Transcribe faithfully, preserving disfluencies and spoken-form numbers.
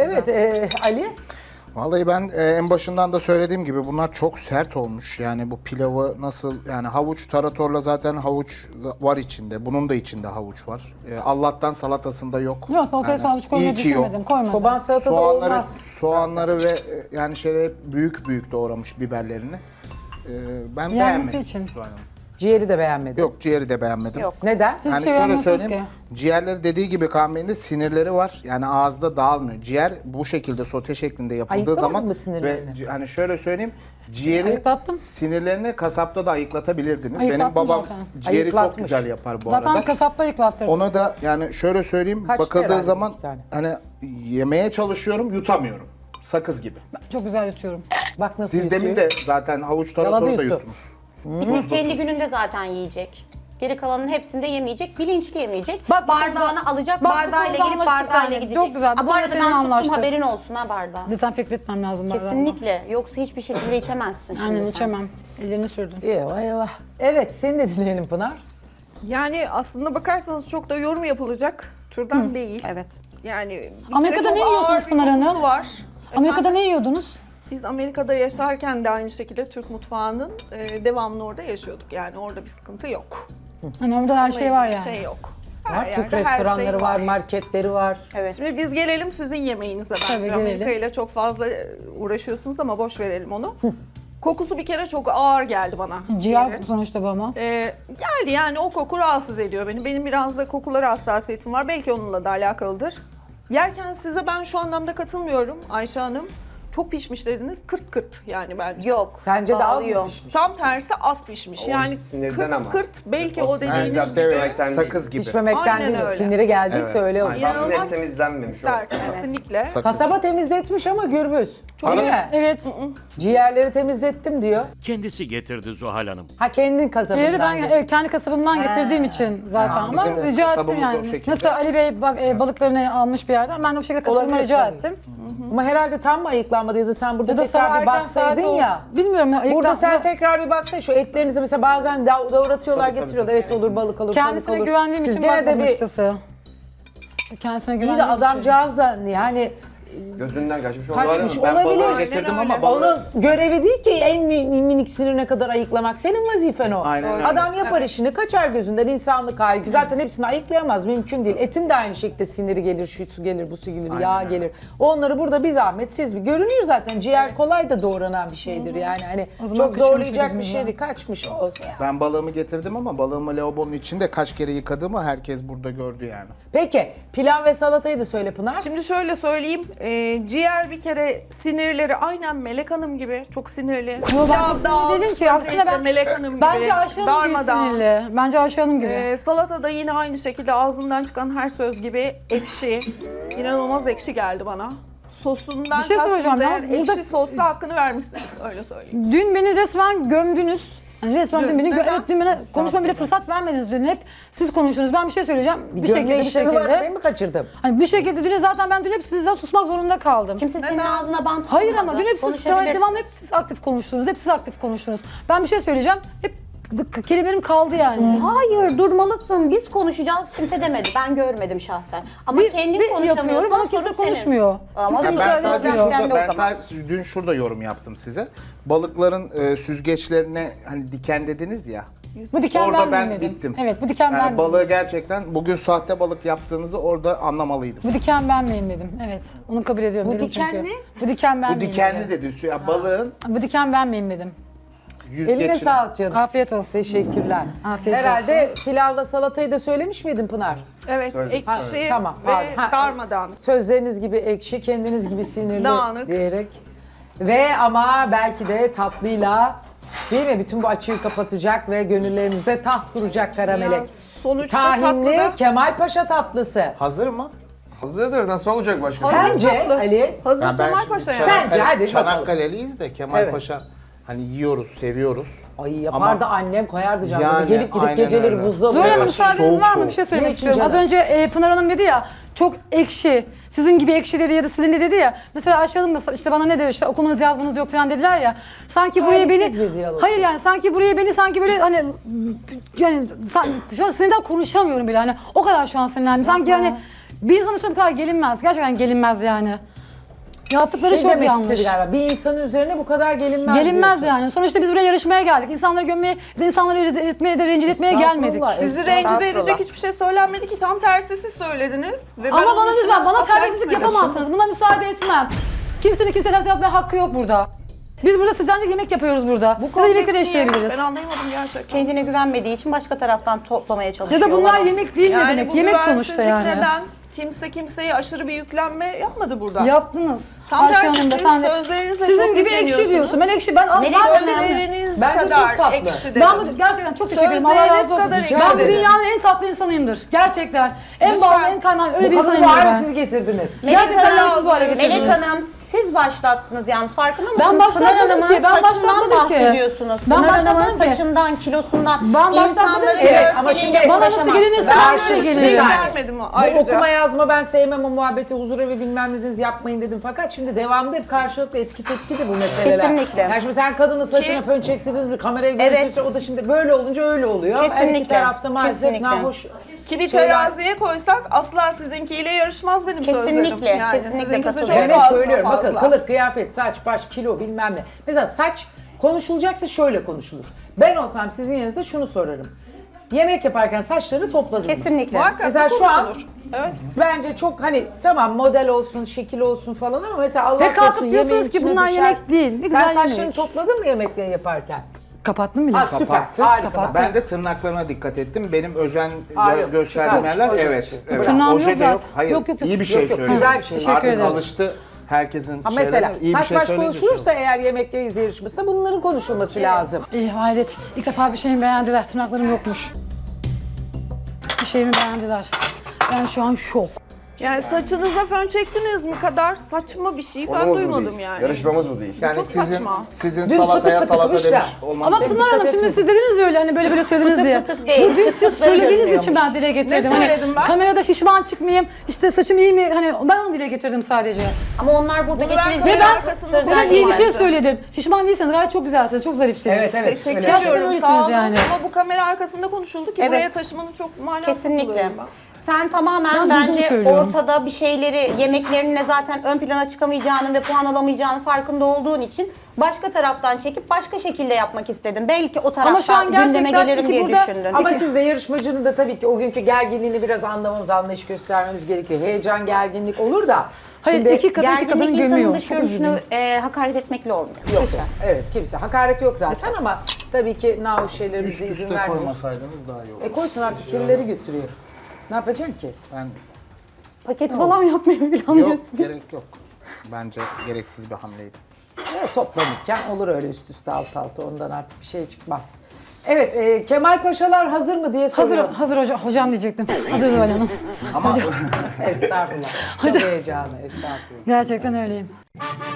Evet e, Ali. Vallahi ben e, en başından da söylediğim gibi bunlar çok sert olmuş. Yani bu pilavı nasıl yani havuç taratorla zaten havuç var içinde. Bunun da içinde havuç var. E, Allah'tan salatasında yok. Yok salataya Yani havuç iyi koymayı ki yok. düşünmedim. Koymadım. Çoban salatada Soğanları, olmaz. soğanları ve e, yani şöyle hep büyük büyük doğramış biberlerini. E, ben Yenmesi beğenmedim. için. Zuhal Hanım. Ciğeri de beğenmedim. Yok ciğeri de beğenmedim. Yok. Neden? Hiçbir Yani şey şöyle beğenmiyorsunuz söyleyeyim, ki. ciğerleri dediği gibi Kaan Bey'in de sinirleri var. Yani ağızda dağılmıyor. Ciğer bu şekilde sote şeklinde yapıldığı Ayıklamadın zaman mı sinirlerini? ve ci- hani şöyle söyleyeyim, ciğeri Ayıklattım. sinirlerini kasapta da ayıklatabilirdiniz. Benim Ayıklattım babam zaten. ciğeri Ayıklatmış. çok güzel yapar bu Zaten arada. kasapta yıklattırdım. Ona da yani şöyle söyleyeyim, Kaçtı bakıldığı herhalde zaman iki tane. hani yemeye çalışıyorum, yutamıyorum. Sakız gibi. Çok güzel yutuyorum. Bak nasıl Siz yutuyor. demin de zaten havuç Yaladı taratoru da yuttu. yuttunuz. Bir tek kendi gününde zaten yiyecek. Geri kalanın hepsinde yemeyecek, bilinçli yemeyecek. Bak bu Bardağını konuda- alacak, bak bu bardağıyla konuda gelip anlaştık bardağıyla seninle. gidecek. Çok güzel, bu Ha, bu konuda arada seninle ben tuttum, anlaştık. haberin olsun ha bardağı. Dezenfekte etmem lazım bardağımı. Kesinlikle. Yoksa hiçbir şekilde içemezsin şimdi Aynen sen. içemem. Ellerini sürdüm. Eyvah eyvah. Evet seni de dinleyelim Pınar. Yani aslında bakarsanız çok da yorum yapılacak türden değil. Evet. Yani bir Amerika'da kere ne çok yiyorsunuz ağır bir Pınar Hanım? kokusu var. Amerika'da Efendim, ne yiyordunuz? biz Amerika'da yaşarken de aynı şekilde Türk mutfağının e, devamlı orada yaşıyorduk. Yani orada bir sıkıntı yok. Hani orada her şey var yani. Şey yok. Her Var Türk yerde her restoranları şey var, marketleri var. Evet. Şimdi biz gelelim sizin yemeğinize bence. Tabii, gelelim. Amerika ile çok fazla e, uğraşıyorsunuz ama boş verelim onu. Kokusu bir kere çok ağır geldi bana. Ciğer Ciğerin. sonuçta bu ama. Ee, geldi yani o koku rahatsız ediyor beni. Benim biraz da kokulara hassasiyetim var. Belki onunla da alakalıdır. Yerken size ben şu anlamda katılmıyorum Ayşe Hanım. Çok pişmiş dediniz. Kırt kırt yani bence. Yok. Sence de az dağılıyor. mı pişmiş? Tam tersi az pişmiş. O yani işte sinirden kırt ama. kırt belki O o sinirden dediğiniz de- gibi. evet. Sakız gibi. Pişmemekten Aynen değil o. öyle. Siniri geldiyse Evet. öyle olur. Aynen. Tam net İnanılmaz temizlenmemiş o. sert, kesinlikle. Sakız. Kasaba temizletmiş ama gürbüz. Değil mi? Evet. Ciğerleri temizlettim diyor. Kendisi getirdi Zuhal Hanım. Ha kendin kasabından. Ciğeri ben diyor. evet, kendi kasabımdan getirdiğim için zaten Ha, ama bizim rica ettim kasabımız o yani. şekilde. Nasıl Ali Bey bak, e, balıklarını almış bir yerden ben de o şekilde kasabıma Olabilir rica tabii. ettim. Ama herhalde tam mı ayıklanmadıydı? Sen burada Ya da sabah tekrar bir erken saat baksaydın oldu. ya. Bilmiyorum ya. Burada ayıklan- sen tekrar bir baksaydın şu etlerinizi mesela bazen dav- davratıyorlar Tabii, tabii, getiriyorlar. Et olur, balık olur, Kendisine tavuk olur. güvendiğim Siz için gene de bakmadım bir açıkçası. Kendisine iyi de güvendiğim için. adamcağız da yani Gözünden kaçmış olabilir. kaçmış Ben balığı olabilir. getirdim Aynen ama öyle. balığı Onun görevi değil ki en mi- minik sinirine kadar ayıklamak. Senin vazifen o. Aynen öyle. Adam yapar işini, kaçar gözünden insanlık hali. ki Zaten hepsini ayıklayamaz, mümkün değil. Etin de aynı şekilde siniri gelir, şu su gelir, bu su gelir, yağ öyle. gelir. Onları burada bir zahmet siz bir. Görünüyor zaten ciğer kolay da doğranan bir şeydir yani. Hani O zaman çok kaçırmışız zorlayacak bir biz şey ya. değil. Kaçmış olsun ya. ben balığımı getirdim ama balığımı lavabonun içinde kaç kere yıkadığımı herkes burada gördü yani. Peki pilav ve salatayı da söyle Pınar. Şimdi şöyle söyleyeyim. e, ciğer bir kere sinirleri aynen Melek Hanım gibi. Çok sinirli. Yo, ben çok Pilav sinirli dağılmış değilim ki. Aslında vaziyette ben- Melek Hanım gibi. Bence Ayşe Hanım gibi darmadağın. sinirli. Bence Ayşe Hanım gibi. Ee, salata da yine aynı şekilde ağzından çıkan her söz gibi ekşi. İnanılmaz ekşi geldi bana. Sosundan Bir şey kastınız soracağım ya, eğer burada- ekşi sosla hakkını vermişsiniz öyle söyleyeyim. Dün beni resmen gömdünüz. Yani resmen dün, Dün, beni gö- neden? evet, dün bana konuşma bile fırsat vermediniz dün. Hep siz konuştunuz. Ben bir şey söyleyeceğim. Bir, Gömle şekilde bir işlemi var şekilde. ben mi kaçırdım? Hani bir şekilde dün zaten ben dün hep sizden susmak zorunda kaldım. Kimse senin Neden? ağzına bant Hayır vurmadı. ama dün hep siz Konuşabilirsin. devam hep siz aktif konuştunuz. Hep siz aktif konuştunuz. Ben bir şey söyleyeceğim. Hep k- kelimelerim kaldı yani. Hayır durmalısın. Biz konuşacağız. Kimse demedi. Ben görmedim şahsen. Ama Bir- kendin bir konuşamıyorsan yapıyorum ama sorun kimse senin. konuşmuyor. Ama Kimse Ya kimse ben müsaade sadece etmiyor. Sen de şurada, o ben zaman. sadece dün şurada yorum yaptım size. Balıkların e, süzgeçlerine hani diken dediniz ya. Bu diken Orada ben ben miydim? bittim. Evet bu diken ben Yani miydim? balığı gerçekten bugün sahte balık yaptığınızı orada anlamalıydım. Bu diken ben miyim dedim. Evet. Onu kabul ediyorum. Bu dedim diken çünkü. ne? Bu diken ben Bu miyim dikenli dedim. dedi. Ya balığın Bu diken ben miyim dedim. yüzgeçine. Eline sağlık canım. Afiyet olsun. Teşekkürler. Afiyet Herhalde pilavla salatayı da söylemiş miydin Pınar? Evet Söyledim. ekşi Ha, tamam, ve pardon. Ha, darmadağın. Sözleriniz gibi ekşi, kendiniz gibi sinirli Dağınık. diyerek. Ve ama belki de tatlıyla değil mi? Bütün bu açığı kapatacak ve gönüllerimizde taht kuracak kara melek. Ya sonuçta Tahinli tatlıda Kemal Paşa tatlısı. Hazır mı? Hazırdır. Nasıl olacak başka? Sence tatlı. Ali? hazır Ya ben Kemal şimdi Paşa ya. Çanakkale- Sence, hadi bakalım. Çanakkale'liyiz de Kemal Evet. Paşa hani yiyoruz, seviyoruz. Ay yapardı Ama- annem koyardı canım. Yani, Gelip gidip aynen geceleri öyle. buzdolabı. Zuhal Hanım Evet, müsaadeniz soğuk var mı? soğuk. Bir şey Ne söylemek için istiyorum. Az canım? önce e, Pınar Hanım dedi ya çok ekşi. Sizin gibi ekşi dedi ya da sizin dedi ya. Mesela Ayşe Hanım da işte bana ne dedi işte okumanız yazmanız yok falan dediler ya. Sanki buraya beni Talihsiz bir diyalog. Hayır yani sanki buraya beni sanki böyle hani yani san- şu an sinirden konuşamıyorum bile hani o kadar şu an sinirlendim. Sanki yani bir insan üstüne bu kadar gelinmez. Gerçekten gelinmez yani. Yaptıkları Şey çok demek yanlış. istedi galiba. Bir insanın üzerine bu kadar gelinmez Gelinmez diyorsun. yani. Sonuçta biz buraya yarışmaya geldik. İnsanları gömmeye, insanları rezil etmeye de rencide etmeye gelmedik. Estağfurullah, Sizi estağfurullah. rencide edecek hiçbir şey söylenmedi ki, tam tersi siz söylediniz. Ve ben Ama onun bana üstüne lütfen bana asla terbiyesizlik gitmedim. yapamazsınız. Buna müsaade etmem. Kimsenin kimseye terbiyesizlik yapmaya hakkı yok burada. Biz burada sizden de yemek yapıyoruz burada. Bu Ya da yemekleri kompleks niye? değiştirebiliriz. Ben anlayamadım gerçekten. Kendine güvenmediği için başka taraftan toplamaya Ya çalışıyor. da bunlar olabilir. yemek değil ne Yani demek? bu Yemek sonuçta güvensizlik yani. neden? Kimse kimseye aşırı bir yüklenme yapmadı burada. Yaptınız. Tam Ayşe tersi, Hanım da siz sen de- sözlerinizle Sizin çok gibi ekşi yükleniyorsunuz. diyorsun. Ben ekşi ben Melek ben, Hanım- Sözleriniz Bence çok kadar tatlı. ekşi dedim. ben bu gerçekten çok teşekkür ederim. Allah Sözleriniz razı olsun. kadar Ben ekşi bu dedim. dünyanın en tatlı insanıyımdır. Gerçekten. En Lütfen. bağlı, en kaynağı öyle bir Bu kadını insanıyımdır bu hale ben. siz getirdiniz. Melek Gerçekten Hanım, siz bu hale Melek getirdiniz. Hanım siz başlattınız yalnız, farkında mısınız? Ben başlatmadım Pınar Hanım'ın ki, ben saçından başlatmadım ki. bahsediyorsunuz. Ben Pınar Hanım'ın başlatmadım ki. saçından, kilosundan, Ben başlatmadım insanları ki. Evet, ama şimdi görseliyle bana nasıl uğraşamazsınız. gelinirse Ben ben şöyle öyle Hiç gelirim. Yani, vermedim Bu ayrıca. okuma yazma ben sevmem, o muhabbeti, huzur evi bilmem dediniz, yapmayın dedim. Fakat şimdi devamında hep karşılıklı etki tepki de bu meseleler. Kesinlikle. Yani şimdi sen kadının saçına Ki- fön çektirdiniz bir kameraya Evet. görüntüsü, o da şimdi böyle olunca öyle oluyor. Her iki Kesinlikle. tarafta maalesef Kesinlikle. nahoş Ki bir şeyler- teraziye koysak asla sizinkiyle yarışmaz benim Kesinlikle, sözlerim. Yani kesinlikle sizinkisi katılıyorum. çok Ben hep fazla söylüyorum bakın, fazla. kılık, kıyafet, saç, baş, kilo bilmem ne. Mesela saç konuşulacaksa şöyle konuşulur. Ben olsam sizin yerinizde şunu sorarım. Yemek yaparken saçları topladın mı? Kesinlikle. Muhakkak Mesela bu şu an- konuşulur. Evet. Bence çok hani tamam model olsun, şekil olsun falan ama mesela Allah Ve kalkıp korusun diyorsunuz yemeğin ki içine bunlar düşer. yemek değil. Ne güzel Sen saçlarını yemek. topladın mı yemekleri yaparken? Kapattın bile. Ha süper, Kapattım. harika. Kapattım. Ben de tırnaklarına dikkat ettim. Benim özen Aa, gö- yok, gösterdiğim çıkarmış, yerler ojesi evet. çıktı. evet. Tırnağım Oje yok de yok. zaten. Hayır, Yok, yok, yok. iyi bir şey Yok, yok, söylüyorum. güzel bir şey. Teşekkür Artık ederim. alıştı herkesin Ha şeylerine. mesela İyi bir saç şey baş söyleyince konuşulursa şey eğer yemekteyiz yarışması bunların konuşulması lazım. İyi hayret. İlk defa bir şeyimi beğendiler. Tırnaklarım yokmuş. Bir şeyimi beğendiler. Ben şu an şok. Yani saçınıza fön çektiniz mi kadar saçma bir şey ben Konumuz bu duymadım değil. yani. Yarışmamız bu değil. Yani Çok sizin, saçma. sizin Dün salataya fıtık salata fıtıkmış demiş da. olmanız. Ama Peki, Pınar dikkat Hanım şimdi etmedim. siz dediniz ya öyle hani böyle böyle söylediniz diye. fıtık değil, Bu dün siz fıtıkları söylediğiniz görünüyormuş. için ben dile getirdim. Ne söyledim ben? Kamerada şişman çıkmayayım, işte saçım iyi mi? Hani ben onu dile getirdim sadece. Ama onlar burada Bunu ben getirecek. kamera Ve ben arkasında ben konuştum iyi bir şey bence. söyledim. Şişman değilseniz gayet çok güzelsiniz, çok zarifsiniz. Evet, evet. Teşekkür öyle. Gerçekten ediyorum öylesiniz sağ olun yani. ama bu kamera arkasında konuşuldu ki Evet. buraya taşımanın çok manasız Kesinlikle. buluyorum ben. Sen tamamen Ben duyduğumu bence söylüyorum. ortada bir şeyleri, yemeklerine zaten ön plana çıkamayacağının ve puan alamayacağının farkında olduğun için başka taraftan çekip başka şekilde yapmak istedin. Belki o Ama şu an taraftan gündeme gerçekten gelirim iki diye burada- düşündün. Ama siz de yarışmacının da tabii ki o günkü gerginliğini biraz anlamamız, anlayış göstermemiz gerekiyor. Heyecan, gerginlik olur da. Hayır, Şimdi iki kadın iki kadını Gerginlik insanın gömüyor. dış Çok görünüşünü üzüldüm. e, hakaret etmekle olmuyor. yok. Lütfen. Evet kimse. Hakaret yok zaten ama tabii ki nahoş şeyleri Üst bize izin üste vermiyor. koymasaydınız daha iyi olurdu. E koysun artık kirlileri götürüyor. Ne yapacaksın ki? Ben, Paket falan yapmayı yok planlıyorsun. gerek yok. Bence gereksiz bir hamleydi. Evet, toplanırken olur öyle üst üste alt alta, ondan artık bir şey çıkmaz. Evet, e, Kemal Paşalar hazır mı diye Hazır, soruyorum. hazır hocam, hocam diyecektim. Hazır Zuhal Hanım. Ama Estağfurullah. Çok heyecanlı, estağfurullah. Gerçekten öyleyim.